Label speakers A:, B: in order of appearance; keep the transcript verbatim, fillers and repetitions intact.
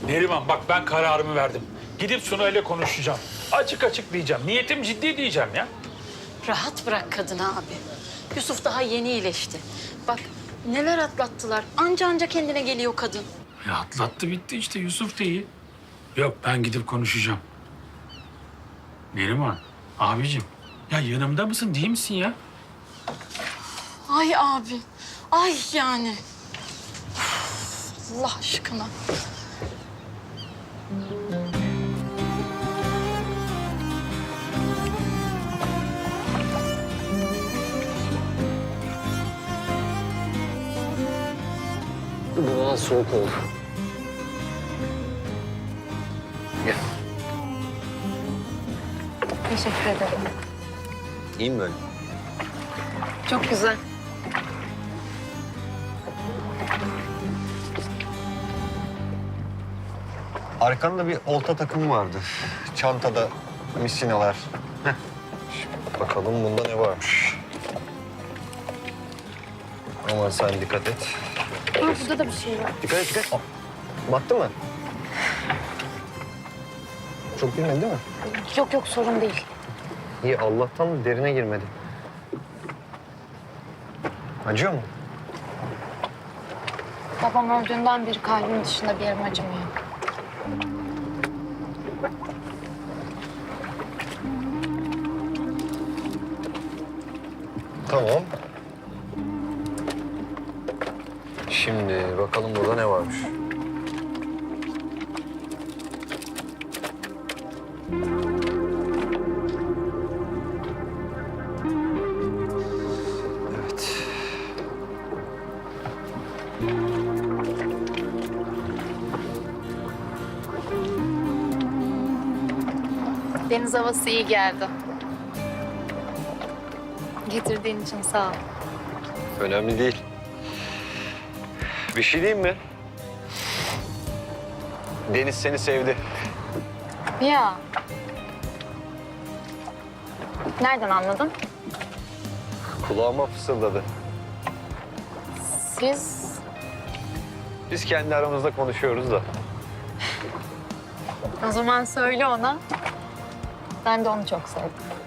A: Neriman bak ben kararımı verdim. Gidip Suna ile konuşacağım. Açık açık diyeceğim. Niyetim ciddi diyeceğim ya.
B: Rahat bırak kadını abi. Yusuf daha yeni iyileşti. Bak neler atlattılar. Anca anca kendine geliyor kadın.
A: Ya atlattı bitti işte Yusuf da iyi. Yok ben gidip konuşacağım. Neriman abicim ya yanımda mısın değil misin ya?
B: Ay abi. Ay yani. Üf, Allah aşkına.
C: Bu biraz soğuk oldu. Gel.
D: Teşekkür ederim.
C: İyi mi böyle?
D: Çok güzel.
C: Arkanda bir olta takımı vardı. Çantada misinalar. Heh. Şimdi bakalım bunda ne varmış. Aman sen dikkat et.
D: Aa, burada da bir şey var.
C: Dikkat et, dikkat et. Aa, battı mı? Çok girmedi değil mi?
D: Yok yok sorun değil.
C: İyi, Allah'tan derine girmedi. Acıyor mu?
D: Babam öldüğünden beri kalbim dışında bir yerim acımıyor.
C: Tamam. Şimdi bakalım burada ne varmış. Evet.
D: Deniz havası iyi geldi. Getirdiğin için sağ ol.
C: Önemli değil. Bir şey diyeyim mi? Deniz seni sevdi.
D: Ya. Nereden anladın?
C: Kulağıma fısıldadı.
D: Siz
C: Biz kendi aramızda konuşuyoruz da.
D: o zaman söyle ona. Ben de onu çok sevdim.